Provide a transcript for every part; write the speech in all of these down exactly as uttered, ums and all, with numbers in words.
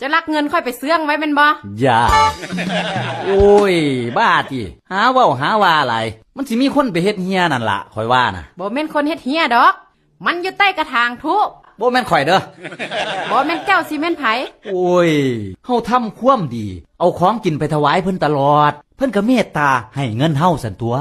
จะรักเงินค่อยไปเสื่องไว้เป็นบ่อย่าโอ้ยบ้าติหาเว้าหาว่าอะไรมันสิมีคนไปเฮ็ดเฮียนั่นล่ะข่อยว่านะบ่แม่นคนเฮ็ดเฮียดอกมันอยู่ใต้กระถางทุบบ่แม่นข่อยเด้อบ่แม่นเจ้าสิแม่นไผโอ้ยเฮาทำความดีเอาของกินไปถวายเพิ่นตลอดเพิ่นก็เมตตาให้เงินเฮาซั่นตัว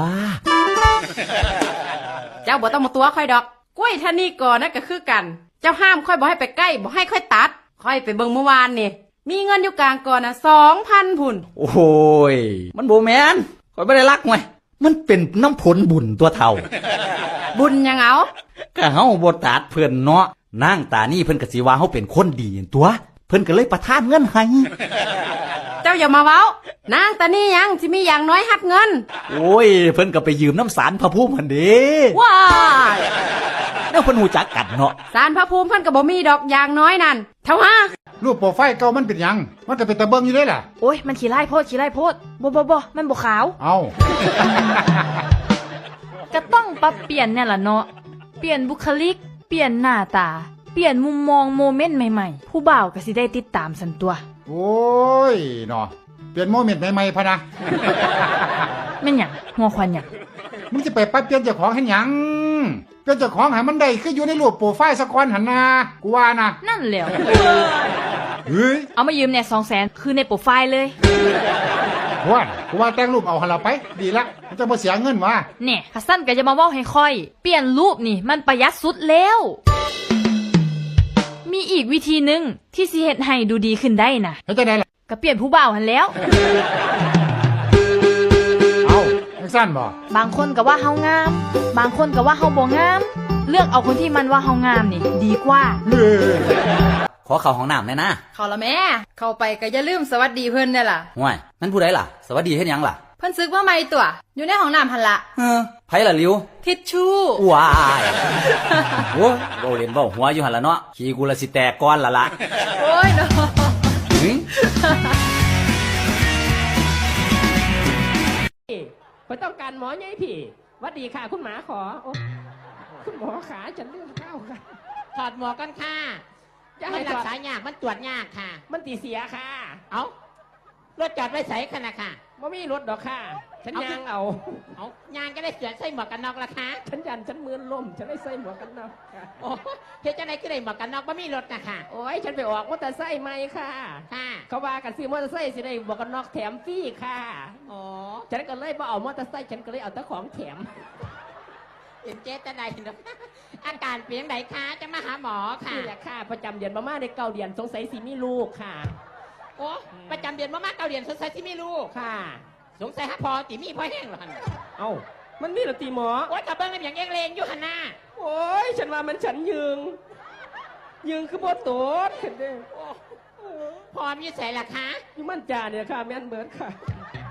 เจ้าบ่ต้องมาตัวค่อยดอกกล้วยท่านี่ก่อนนะก็คือกันเจ้าห้ามค่อยบ่ให้ไปใกล้บ่ให้ค่อยตัดค่อยไปเบิ่งเมื่อวานนี่มีเงินอยู่กลางก่อนน่ะ สองพัน พุ่นโอ้ยมันบ่แม่นข่อยบ่ได้รักไว้มันเป็นน้ำผลบุญตัวเฒ่าบุญยังเอาก็เฮาบ่ตัดเพิ่นเนาะนางตานี่เพิ่นก็สิว่าเฮาเป็นคนดีตัวเพิ่นก็เลยประทานเงินให้เจ้าอย่ามาเว้านางตานี่ยังสิมีอย่างน้อยหักเงินโอ้ยเพิ่นก็ไปยืมน้ำสารพระภูมิหั่นเด้ว้ายเดี๋ยวเพิ่นฮู้จักกันเนาะสารพระภูมิเพิ่นก็บ่มีดอกอย่างน้อยนั่นเท่าฮะรูปโปรไฟล์เก่ามันเป็นหยังมันก็เป็นตะเบิ่งอยู่เด้ล่ะโอ้ยมันขี้ไล่โพดขี้ไล่โพดบ่บ่บ่มันบ่ขาวเอ้าก็ต้องปรับเปลี่ยนแน่ล่ะเนาะเปลี่ยนบุคลิกเปลี่ยนหน้าตาเปลี่ยนมุมมองโมเมนต์ใหม่ๆผู้บ่าวก็สิได้ติดตามสันตัวโอ้ยเนาะเปลี่ยนโมเมนต์ใหม่ๆพะนะแม่นหยังหัวควันหยังมึงจะไปปรับเปลี่ยนเจ้าของให้หยังเปลี่ยนเจ้าของให้มันได้คืออยู่ในรูปโปรไฟล์สักวันหั่นนะกูว่านะนั่นแหละเฮ้ยเอามายืมแน่ สองแสน คือในโปรไฟล์เลยว่ากูว่าแต่งรูปเอาหั่นล่ะไปดีละมันจะบ่เสียเงินวะแน่คัซั่นก็จะมาเว้าให้ค่อยเปลี่ยนรูปนี่มันประหยัดสุดแล้วมีอีกวิธีนึงที่สิเฮ็ดให้ดูดีขึ้นได้น่ะเฮ็ดจังได๋ล่ะก็เปลี่ยนผู้บ่าวหั่นแล้วเอ้าจังซั่นบ่บางคนก็ว่าเฮางามบางคนก็ว่าเฮาบ่งามเลือกเอาคนที่มันว่าเฮางามนี่ดีกว่าขอเข้าห้องน้ำแน่นะเข้าละแม่เข้าไปก็อย่าลืมสวัสดีเพิ่นเด้อล่ะห่วยนั่นผู้ใดล่ะสวัสดีเฮ็ดหยังล่ะเพิ่นซึกมาใหม่ตัวอยู่ในห้องน้ำหั่นล่ะเออไผล่ะลิวทิชชู่ว้ายโอ้เว้าเล่นเว้าหัวอยู่หั่นล่ะเนาะขี้กูละสิแตกก่อนล่ะล่ะโอ้ยเนาะไม่ต้องการหมอไงพี่วัดดีค่ะคุณหมาขอคุณหมอขาฉันเลือดเข้าค่ะถอดหมวกกันค่ะมันรักษายากมันตรวจยากค่ะมันตีเสียค่ะเอ้ารถจอดไว้ใส่ขนาดค่ะไม่มีรถดอกค่ะฉันยางเอาเอายางก็ได้เสียใส่หมวกกันน็อกละค่ะฉันยันฉันมือล่มฉันได้ใส่หมวกกันน็อกค่ะโอ้เฮ็ดจังได๋ก็ได้หมวกกันน็อกไม่มีรถนะค่ะโอ้ยฉันไปออกมอเตอร์ไซค์ใหม่ค่ะค่ะเขาว่ากันซื้อมอเตอร์ไซค์สิได้หมวกกันน็อกแถมฟรีค่ะอ๋อฉันก็เลยบ่เอามอเตอร์ไซค์ฉันก็เลยเอาแต่ของแถมเห็นเจ๊ตาใดเนาะอาการเปลี่ยนไหนคะจะมาหาหมอค่ะนี่แหละค่ะประจำเดือนมาม่าในเก้าเดือนสงสัยสิมีลูกค่ะโอ้ประจำเดือนมาม่าเก้าเดือนสงสัยสิมีลูกค่ะสงสัยฮะพอตีมีพอแห้งหรอเอ้ามันมีหรอตีหมอโอ้ยกับเบิ้งอะไรอย่างเอ็งเลงอยู่หันหน้าโอ้ยฉันว่ามันฉันยืงยืงคือโบโต๊ดเห็นเด้พอมีใส่ละคะอยู่มั่นจ่าเนี่ยค่ะแม่นเบิร์ดค่ะ